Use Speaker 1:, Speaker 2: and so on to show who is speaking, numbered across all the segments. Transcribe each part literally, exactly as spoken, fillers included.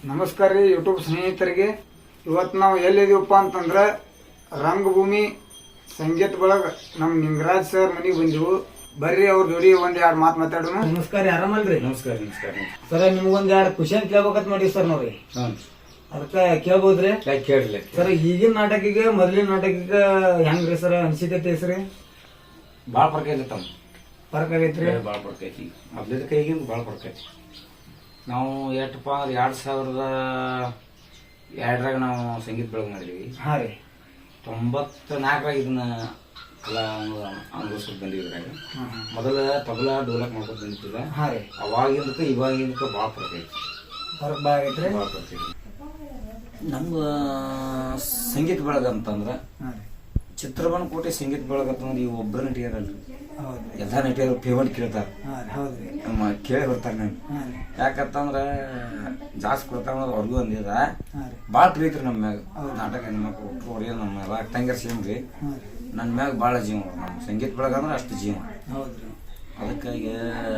Speaker 1: ನಮಸ್ಕಾರ ರೀ ಯೂಟ್ಯೂಬ್ ಸ್ನೇಹಿತರಿಗೆ. ಇವತ್ತು ನಾವು ಎಲ್ಲಿದೀವಪ್ಪ ಅಂತಂದ್ರೆ ರಂಗಭೂಮಿ ಸಂಗೀತ ಬಳಗ ನಮ್ಮ ನಿಂಗರಾಜ್ ಸರ್ ಮನೆಗೆ ಬಂದಿವು. ಬರ್ರಿ ಅವ್ರ ಜೋಡಿ ಒಂದ್ ಎರಡು ಮಾತು ಮಾತಾಡೋಣ.
Speaker 2: ನಮಸ್ಕಾರ, ಆರಾಮಲ್ರಿ?
Speaker 3: ನಮಸ್ಕಾರ ನಮಸ್ಕಾರ
Speaker 2: ಸರ್, ನಿಮ್ಗೊಂದ್ ಎರಡು ಕ್ವಶನ್ ಕೇಳ್ಬೇಕಂತ ಮಾಡಿ ಸರ್ ನಾವ್ರಿ. ಅದಕ್ಕ ಕೇಳ್ಬೋದ್ರಿ?
Speaker 3: ಕೇಳ್ರಿ
Speaker 2: ಸರ್. ಈಗಿನ ನಾಟಕಿಗೆ ಮೊದ್ಲಿನ ನಾಟಕಿಗೆ ಹೆಂಗ್ರಿ ಸರ್ ಅನ್ಸಿಕೈತಿ ಹೆಸ್ರಿ?
Speaker 3: ಬಾಳ ಫರ್ಕ್ ಐತಿ ತಮ್ಮ.
Speaker 2: ಫರ್ಕ್ ಆಗೈತ್ರಿ?
Speaker 3: ಬಾಳ ಫರ್ಕ್ ಐತಿ. ಮೊದ್ಲಿದ ಕೈಗಿಂದ ಬಾಳ ಫರ್ಕ್ ಐತಿ. ನಾವು ಎಷ್ಟಪ್ಪ ಅಂದ್ರೆ ಎರಡ್ ಸಾವಿರದ ಎರಡರಾಗ ನಾವು ಸಂಗೀತ ಬೆಳಗ್ ಮಾಡಿದ್ವಿ.
Speaker 2: ಹಾ ರೀ.
Speaker 3: ತೊಂಬತ್ತ ನಾಲ್ಕರಾಗ ಇದನ್ನ ಕಲಾ ಅನುಭವಿಸ್ಕೊಂಡು ಬಂದಿದ್ರಾಗ ಮೊದಲ ತಬಲಾ ಡೋಲಕ್ ಮಾಡ್ಕೊಂಡು ಬಂದಿದ್ದ.
Speaker 2: ಹಾ ರೀ.
Speaker 3: ಅವಾಗಿಂದಕ್ಕೆ ಇವಾಗಿಂದಕ್ಕೆ ಬಾಳ ಫರ್ಕ್ ಐತಿ.
Speaker 2: ಫರ್ಕ್ ಬಾಳ ಆಗೈತ್ರಿ?
Speaker 3: ಬಾಳ ಫರ್ಕ್ ಐತಿ. ನಮ್ದು ಸಂಗೀತ ಬೆಳಗ ಅಂತಂದ್ರ ಚಿತ್ರಬನ್ ಕೋಟೆ ಸಂಗೀತ ಬೆಳಗ ಅಂತಂದ್ರೆ ಈ ಒಬ್ಬರ ನಟಿಯರಲ್ರಿ, ಎಲ್ಲಾ ನಟಿಯರು ಪೇಮೆಂಟ್ ಕೇಳ್ತಾರ, ನಮ್ಮ ಕೇಳಿ ಬರ್ತಾರ. ನಾನು ಯಾಕಂತಂದ್ರ ಜಾಸ್ತಿ ಕೊಡ್ತಾರ ಅವ್ರಿಗೂ ಒಂದಿದ ಬಾಳ ಪ್ರೀತಿ ನಮ್ಮ ಮ್ಯಾಗ. ನಾಟಕ ಹೆಣ್ಮಕ್ಳು ಹುಟ್ಟುವರಿ ನಮ್ಮ ಎಲ್ಲ ತಂಗಿಯರ್ ಸೇಮ್ ರೀ. ನನ್ನ ಮ್ಯಾಗ ಬಾಳ ಜೀವ. ನಮ್ಮ ಸಂಗೀತ ಬೆಳಗ ಅಂದ್ರೆ ಅಷ್ಟು ಜೀವ. ಅದಕ್ಕಾಗಿ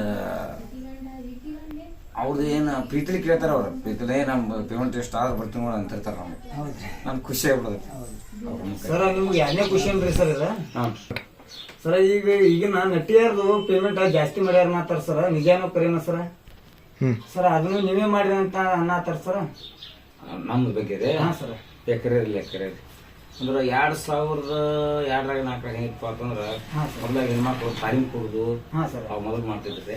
Speaker 3: ಅವ್ರದ್ದು ಏನು ಪ್ರೀತಿಲಿ ಕೇಳ್ತಾರ. ಅವ್ರ ಪ್ರೀತಿಲೇ ನಮ್ಮ ಪೇಮೆಂಟ್ ಎಷ್ಟು ಆದ್ರೆ ಬರ್ತೀವಿ ನೋಡ ಅಂತಿರ್ತಾರ. ನಮ್ಗೆ ನನ್ ಖುಷಿ ಆಗ್ಬಿಡೋದು.
Speaker 2: ಸರ್, ನಿಮ್ಗೆ ಎರಡನೇ ಕ್ವಶನ್ ರೀ ಸರ್ ಇದು. ಸರ, ಈಗ ಈಗಿನ ನಟಿಯರ್ದು ಪೇಮೆಂಟ್ ಜಾಸ್ತಿ ಮಾಡ್ಯಾರ ಮಾತಾರ ಸರ್, ನಿಜಾನೋ ಕರೇನ ಸರ? ಸರ್, ಅದನ್ನು ನೀವೇ ಮಾಡಿರಿ ಅಂತ ಅನ್ನತ್ತಾರ ಸರ್.
Speaker 3: ನಮ್ದು ಬಗ್ಗೆ ರೀ?
Speaker 2: ಹಾ ಸರ್.
Speaker 3: ಎಕರೆ ಇಲ್ಲ ಎಕರೆ ಅಂದ್ರೆ ಎರಡ್ ಸಾವಿರದ ಎರಡರಾಗ ನಾಲ್ಕರಾಗ ಹೆಂಗಪ್ಪ ಅಂತಂದ್ರ ಮೊದ್ಲಾಗ ಹೆಣ್ಮಕ್ಳು ತಾಲೀಮ್ ಕೊಡುದು ಅವ್ ಮೊದಲು ಮಾಡ್ತಿದ್ರಿ.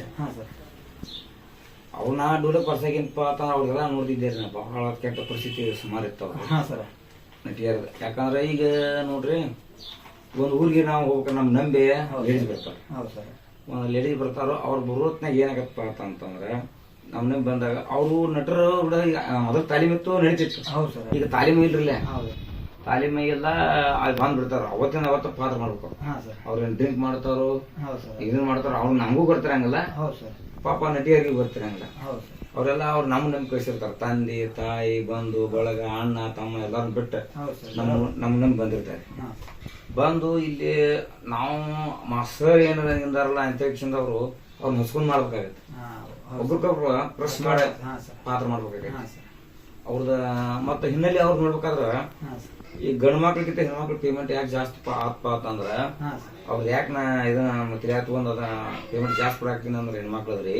Speaker 3: ಅವನ್ನ ಡೂಲಕ್ ಬರ್ಸಾಗಿನಪ್ಪ ಅಂತಂದ್ರೆ ಅವ್ರಿಗೆಲ್ಲ ನೋಡ್ತಿದ್ದೇರಿ. ನಾ ಬಹಳ ಕೆಟ್ಟ ಪರಿಸ್ಥಿತಿ ಸುಮಾರು ಇರ್ತಾವ ನಟಿಯರ್ದು. ಯಾಕಂದ್ರೆ ಈಗ ನೋಡ್ರಿ, ಒಂದ್ ಊರಿಗೆ ನಾವು ಹೋಗ್ಬೇಕು, ನಮ್ ನಂಬಿ ಲೇಡೀಸ್ ಬರ್ತಾರ. ಒಂದ್ ಲೇಡೀಸ್ ಬರ್ತಾರೋ ಅವ್ರ ಬರೋತ್ನಾಗ ಏನಾಗತ್ತಪ್ಪ ಅಂತಂದ್ರೆ ನಮ್ ನಂಬಿ ಬಂದಾಗ ಅವರು ನಟರು ಮೊದಲು ತಾಲೀಮ್ ಇತ್ತು, ನಡೀತಿತ್ತು. ಈಗ ತಾಲೀಮ್ ಇಲ್ರಿಲ್ಲ, ತಾಲೀಮಿಗೆಲ್ಲ ಅಲ್ಲಿ ಬಂದ್ ಬಿಡ್ತಾರ. ಅವತ್ತಿನ ಅವತ್ತ ಪಾತ್ರ ಮಾಡ್ಬೇಕು. ಅವ್ರೇನ್ ಡ್ರಿಂಕ್ ಮಾಡ್ತಾರೋ ಇದನ್ ಮಾಡ್ತಾರ, ಅವ್ರು ನಮಗೂ ಬರ್ತಿರಂಗಿಲ್ಲ, ಪಾಪ ನಟಿಯರಿಗೆ ಬರ್ತಿರಂಗಿಲ್ಲ. ಅವರೆಲ್ಲ ಅವ್ರು ನಮ್ ನಮ್ ಕಳ್ಸಿರ್ತಾರ. ತಂದೆ ತಾಯಿ ಬಂಧು ಬಳಗ ಅಣ್ಣ ತಮ್ಮ ಎಲ್ಲಾರು ಬಿಟ್ಟು ನಮ್ ನಮ್ ನಮ್ ಬಂದಿರ್ತಾರೆ. ಬಂದು ಇಲ್ಲಿ ನಾವು ಮಾಸ್ತರ್ ಏನಾರಲ್ಲ ಅಂತೇಕ್ಷಿಂದ ಅವರು ಅವ್ರು ಮುಸ್ಕೊಂಡ್ ಮಾಡ್ಬೇಕಾಗತ್ತೆ. ಒಬ್ರಿಗೊಬ್ರು ಪ್ರೆಸ್ ಮಾಡಿ ಪಾತ್ರ ಮಾಡ್ಬೇಕಾಗತ್ತೆ ಅವ್ರದ. ಮತ್ತ ಹಿನ್ನೆಲೆ ಅವ್ರು ನೋಡ್ಬೇಕಾದ್ರ ಈ ಗಂಡ್ ಮಕ್ಳಿಗಿಂತ ಹೆಣ್ಮಕ್ಳು ಪೇಮೆಂಟ್ ಯಾಕೆ ಜಾಸ್ತಿ ಆತ್ಪ ಅಂತಂದ್ರ ಅವ್ರ ಯಾಕೆ ನಾ ಇದನ್ನ ತಿಳಿಯಾಕ ಒಂದ್ ಅದ ಪೇಮೆಂಟ್ ಜಾಸ್ತಿ ಕೊಡಾಕ್ತೀನಿ ಅಂದ್ರೆ ಹೆಣ್ಮಕ್ಳದ್ರಿ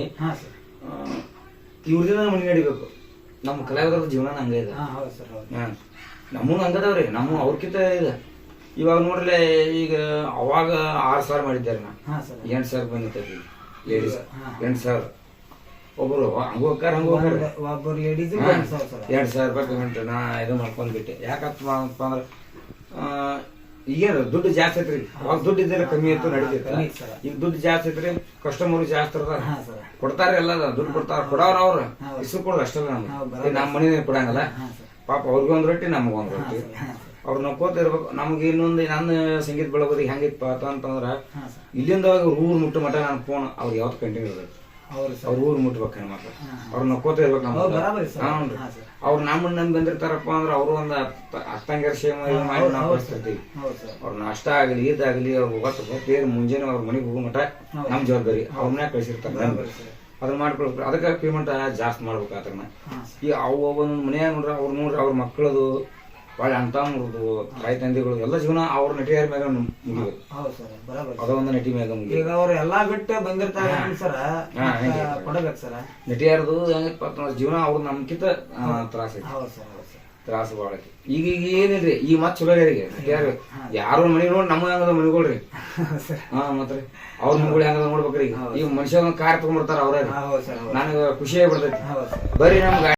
Speaker 3: ಇವ್ರದಿಂದ ಮನೆ ನಡಿಬೇಕು. ನಮ್ಮ ಕಲಾವಿದರ ಜೀವನ ಹಂಗ ಇದೆ. ನಮ್ಮೂ ಹಂಗದವ್ರಿ. ನಮ್ಮ ಅವ್ರಕಿಂತ ಇದೆ. ಇವಾಗ ನೋಡ್ರಿ, ಈಗ ಅವಾಗ ಆರ್ ಸಾವಿರ ಮಾಡಿದ್ದಾರೆ, ನಾ ಎಂಟ್ ಸಾವಿರ ಬಂದಿರ್ತೈತಿ ಲೇಡೀಸ್. ಎಂಟ್ ಸಾವಿರ ಒಬ್ರು ಹಂಗ ಹೋಗ್ತಾರ ಹಂಗ ಹೋಗ್ತಾರ ಎರಡ್ ಸಾವಿರ ರೂಪಾಯಿ ಪೇಮೆಂಟ್ ನಾ ಇದು ಮಾಡ್ಕೊಂಡ್ಬಿಟ್ಟೆ. ಯಾಕಪ್ಪ ಅಂದ್ರ ಈಗೇನು ದುಡ್ಡು ಜಾಸ್ತಿ ಐತ್ರಿ. ಅವಾಗ ದುಡ್ಡು ಇದ್ರೆ ಕಮ್ಮಿ ಇತ್ತು, ನಡೀತಿತ್ತು. ಈಗ ದುಡ್ಡು ಜಾಸ್ತಿ ಐತ್ರಿ, ಕಸ್ಟಮರ್ ಜಾಸ್ತಿ ಇರ್ತಾರ, ಕೊಡ್ತಾರ. ಎಲ್ಲ ದುಡ್ಡು ಕೊಡ್ತಾರ. ಕೊಡವ್ರ ಅವ್ರ ಇಷ್ಟು ಕೊಡೋದು ಅಷ್ಟೇ. ನಮ್ಗೆ ನಮ್ಮ ಮನೆ ಕೊಡಂಗಲ್ಲ. ಪಾಪ ಅವ್ರಿಗೂ ಒಂದ್ ರೊಟ್ಟಿ ನಮಗ ಒಂದ್ ರೊಟ್ಟಿ. ಅವ್ರು ನೋಡ್ಕೋತ ಇರ್ಬೇಕು. ನಮ್ಗೆ ಇನ್ನೊಂದು ನನ್ನ ಸಂಗೀತ ಬೆಳಗೋದಿ ಹೆಂಗಿತ್ತಪ್ಪ ಅಂತಂದ್ರ ಇಲ್ಲಿಂದ ಊರ್ ಮುಟ್ಟು ಮಟ ನನ್ ಫೋನ್ ಅವ್ರಿಗೆ ಯಾವತ್ತು ಕಂಟಿನ್ಯೂ ಇರ್ಬೇಕು. ಅವ್ರ ಊರ್ ಮುಟ್ಬೇಕು ಹೆಣ್ಮಕ್ಳು. ಅವ್ರ ನೋಡ್ಕೋತ ಇರ್ಬೇಕು. ನಮ್ಗೆ ಅವ್ರು ನಮ್ಮನ್ನ ನಂಬಿ ಬಂದಿರ್ತಾರಪ್ಪ ಅಂದ್ರೆ ಅವ್ರು ಒಂದ್ ಹತ್ತಂಗಾರ ಸೇಮ್ ಮಾಡಿ ನಾವು ಕಳಿಸ್ತಿರ್ತೀವಿ. ಅವ್ರ ನಾಷ್ಟ ಆಗಲಿ ಇದಾಗಲಿ ಅವ್ರು ಹೋಗತ್ತ ಬೇರೆ ಮುಂಜಾನೆ ಅವ್ರ ಮನೆಗೆ ಹೋಗೋ ಮಟ ನಮ್ ಜವಾಬ್ದಾರಿ. ಅವ್ರನ್ನ ಕಳಿಸಿರ್ತಾರೆ. ಅದನ್ನ ಮಾಡ್ಕೊಳ್ಬೇಕು. ಅದಕ್ಕೆ ಪೇಮೆಂಟ್ ಜಾಸ್ತಿ ಮಾಡ್ಬೇಕು. ಅದನ್ನ ಈ ಅವು ಒಂದ್ ಮನ್ಯಾಗ ನೋಡ್ರಿ, ಅವ್ರು ನೋಡ್ರಿ ಅವ್ರ ಮಕ್ಕಳದು ಒಳ್ಳೆ ಅಂತ ಮುರಿದು ತಾಯಿ ತಂದೆಗಳು ಎಲ್ಲ ಜೀವನ ಅವ್ರ ನಟಿಯರ ಮ್ಯಾಗ ಮುಗಿಬೇಕು. ಅದೊಂದು ನಟಿ ಮ್ಯಾಗ ಮುಗಿ.
Speaker 2: ಈಗ ಅವ್ರು ಎಲ್ಲಾ ಬಿಟ್ಟು ಬಂದಿರ್ತಾರೆ ಸರ, ಕೊಡಬೇಕು ಸರ.
Speaker 3: ನಟಿಯರದು ಹೆಂಗಪ್ಪ ಅಂತಂದ್ರೆ ಜೀವನ ಅವ್ರು ನಮ್ಕಿಂತ ತ್ರಾಸ ಐತಿ. ತ್ರಾಸ ಬಾಳ ಐತಿ. ಈಗ ಈಗ ಏನಿಲ್ರಿ, ಈ ಮತ್ ಚಲೋ ಯಾರಿಗೆ ನಟಿಯಾರು ಯಾರು ಮನಿ ನೋಡಿ ನಮ್ಮ ಹೆಂಗದ ಮನಿಗೊಳ್ರಿ. ಹಾ ಮತ್ರಿ ಅವ್ರ ಮನಿಗಳು ಹೆಂಗದ ನೋಡ್ಬೇಕ್ರಿ. ಈಗ ಈಗ ಮನುಷ್ಯ ಕಾರ್ ತಗೊಂಡ್ಬರ್ತಾರ ಅವ್ರ. ನನಗ ಖುಷಿ ಆಗ್ಬಿಡ್ತೈತಿ. ಬರೀ ನಮ್ಗ